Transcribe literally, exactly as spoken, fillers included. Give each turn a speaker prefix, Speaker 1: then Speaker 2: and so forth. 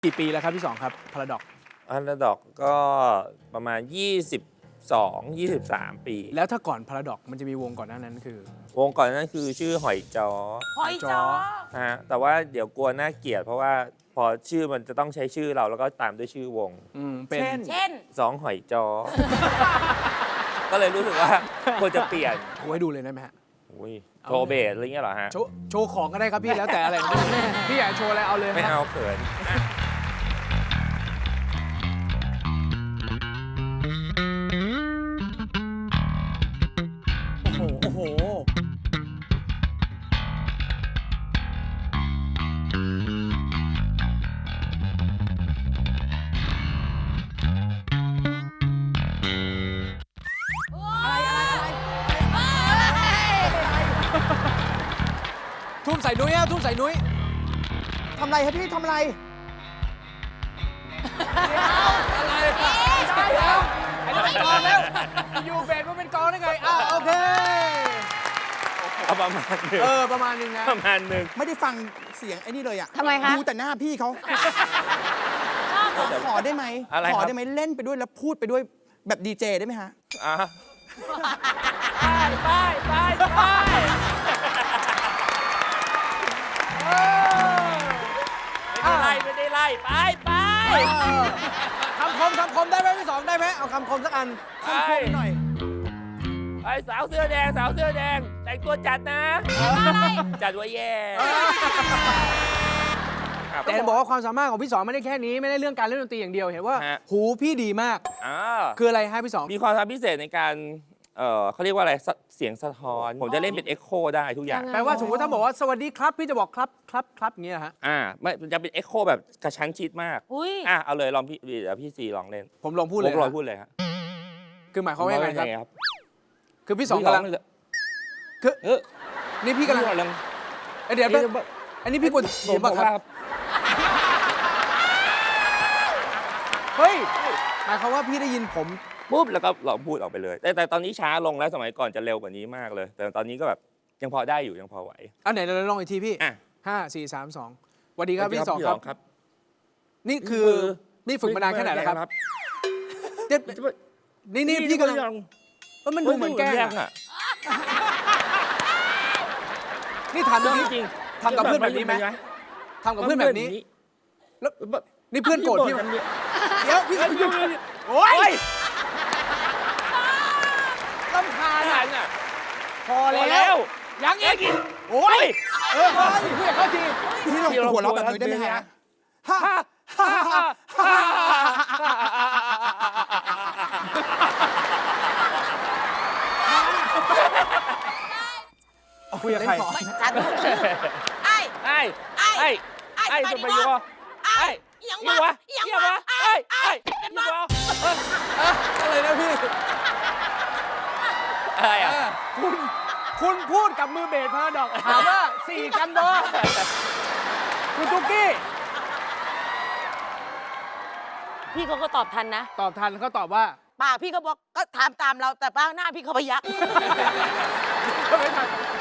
Speaker 1: กี่ปีแล้วครับพี่สองครับพาราดอก
Speaker 2: พาราดอกก็ประมาณยี่สิบสอง ยี่สิบสาม ปี
Speaker 1: แล้วถ้าก่อนพาราดอกมันจะมีวงก่อนหน้านั้นคือ
Speaker 2: วงก่อนนั้นคือชื่อหอยจ้อ
Speaker 3: หอยจ้อ
Speaker 2: ฮะแต่ว่าเดี๋ยวกลัวน่าเกลียดเพราะว่าพอชื่อมันจะต้องใช้ชื่อเราแล้วก็ตามด้วยชื่อวง
Speaker 1: อืมเป็น
Speaker 3: เช่น
Speaker 2: สองหอยจ้อ ก็เลยรู้สึกว่าควรจะเปลี่ยน
Speaker 1: โชว์ให้ดูเลยได้ไหมฮะ
Speaker 2: อุ้ยโชว์เบสอะไรเงี้ยเหรอฮะ
Speaker 1: โชว์โชว์ของก็ได้ครับพี่แล้วแต่อะไร พี่อยากโชว์อะไรเอาเลย
Speaker 2: ไม่
Speaker 1: ครับ
Speaker 2: เอาเขิน
Speaker 1: โอ้โหโอ้โหทุ่มใส่นุ้ยอะทุ่มใส่นุ้ย
Speaker 4: ทำไรครับพี่ทำไร
Speaker 1: อะไรได้แล้วไอ้นั่นเป็นกองแล้วอยู่เบสมันเป็นกองได้ไงอ้าวโอเค
Speaker 2: เอาประมาณหนึ่ง
Speaker 1: เออประมาณนึงนะ
Speaker 2: ประมาณหนึ่ง
Speaker 4: ไม่ได้ฟังเสียงไอ้นี่เลยอะ
Speaker 3: ทำไมคะ
Speaker 4: ดูแต่หน้าพี่เขาขอได้ไหม
Speaker 2: อะไร
Speaker 4: ขอ
Speaker 2: ครับ
Speaker 4: ได้ไหมเล่นไปด้วยแล้วพูดไปด้วยแบบดีเจได้ไหมฮะ
Speaker 2: อ่ะ
Speaker 3: ไปไปไป
Speaker 2: ไม่ได้ไล่ไม่ได้ไล่ไปไป
Speaker 1: คำคมคำคมได้ไหมพี่สองได้ไหมเอาคำคมสักอัน
Speaker 4: คำคมหน่อย
Speaker 2: ไอ้สาวเสื้อแดงสาวเสื้อแดงแต่งตัวจัดนะ จัดว่าแย่ครับ
Speaker 1: แต่บอกว่าความสามารถของพี่สองไม่ได้แค่นี้ไม่ได้เรื่องการเล่นดนตรีอย่างเดียวเห็นว่า
Speaker 2: ฮะ
Speaker 1: หูพี่ดีมาก
Speaker 2: อ่า
Speaker 1: คืออะไรฮะพี่สอง
Speaker 2: มีความสามารถพิเศษในการเออเขาเรียกว่าอะไรสเสียงสะท้อน ผมจะเล่นเป็นเอ็กโคได้ทุกอย่าง
Speaker 1: แปลว่าสมมติถ้าบอกว่าสวัสดีครับพี่จะบอกครับครับครับอย่างเงี้ยฮะ
Speaker 2: อ่าไม่มันจะเป็นเอ็กโคแบบกระชั้นชิดมาก
Speaker 3: อุ้ย
Speaker 2: อ่ะเอาเลยลองพี่เดี๋ยวพี่ซีลองเล่น
Speaker 1: ผมลองพูดเลย
Speaker 2: ผมลอง
Speaker 1: นะ
Speaker 2: พูดเลยครับ
Speaker 1: คือหมายความว่ายังไงครับ
Speaker 2: ครับ
Speaker 1: คือพี่สองกำลัง คือ
Speaker 2: เออ
Speaker 1: นี่พี่กำลัง
Speaker 2: กำลัง
Speaker 1: เอ้ยเดี๋ยวแป๊บอันนี้พี่กด
Speaker 2: ผ
Speaker 1: เสีย
Speaker 2: ม
Speaker 1: ง
Speaker 2: บ
Speaker 1: ป่ะ
Speaker 2: อก
Speaker 1: ครั
Speaker 2: ว่า
Speaker 1: บเฮ้ยหมายความว่าพี่ได้ยินผม
Speaker 2: ปุ๊บแล้วก็ลองพูดออกไปเลย แต่แต่ตอนนี้ช้าลงแล้วสมัยก่อนจะเร็วกว่านี้มากเลย แต่ตอนนี้ก็แบบยังพอได้อยู่ยังพอไหว
Speaker 1: อันไหนเราลองอีกทีพี่
Speaker 2: อ่ะ
Speaker 1: ห้าสี่สามสองสวัสดีครับพี่สองครับ
Speaker 2: ครับ
Speaker 1: นี่คือนี่ฝึกมานานแค่ไหนแล้วครับเจ็ดนี่นี่พี่กำลังเออมันดูเหมือนแกล้ง
Speaker 2: แกล้ง
Speaker 1: อะ
Speaker 2: อ่ะ
Speaker 1: นี่ทำแบบนี้
Speaker 2: จริง
Speaker 1: ทำกับเพื่อนแบบนี้ไหมทำกับเพื่อนแบบนี้ แล้วนี่เพื่อนโกรธพี่ไหมเดี๋ยวพี่โอ๊ยลำคาญ
Speaker 2: อ่ะ
Speaker 1: อ่ะพอ
Speaker 2: พอ
Speaker 1: แล้
Speaker 2: แล้ว ว
Speaker 1: ยังอีกโอ๊ยเออพี่พูดเขาที
Speaker 4: พี่ลองหัวเราะแบบนี้ได้ไหมฮะฮ่า
Speaker 2: ฮ่าฮ่าฮ่า
Speaker 1: คุยกับใคร
Speaker 3: จัดไอ้
Speaker 2: ไอ้
Speaker 3: ไอ้
Speaker 2: ไอ้
Speaker 3: ไอ้
Speaker 2: ไอ้
Speaker 3: ไป
Speaker 2: จะ
Speaker 3: ดิ
Speaker 2: ไป
Speaker 3: วะ
Speaker 2: ยัว
Speaker 3: ไอ้
Speaker 2: ไอ้
Speaker 3: ยัง
Speaker 2: ยั
Speaker 3: วะ
Speaker 2: ว
Speaker 3: ยัง
Speaker 2: ยัว
Speaker 3: วะ
Speaker 2: ไอ้
Speaker 3: ไอ้
Speaker 2: ไอ้
Speaker 3: เป็น
Speaker 2: ยั
Speaker 3: วะ
Speaker 2: ว
Speaker 1: อะไรนะพี่
Speaker 2: อะไรอ่ะ
Speaker 1: คุณคุณพูดกับมือเบสพาราดอกถามว่าสี่กันบอคุณตุ๊กกี้
Speaker 3: พี่เขาก็ตอบทันนะ
Speaker 1: ตอบทันเขาตอบว่า
Speaker 3: ปากพี่เขาบอกก็ถามตามเราแต่ป้าหน้าพี่เขาพยัก
Speaker 1: ไม่ทัน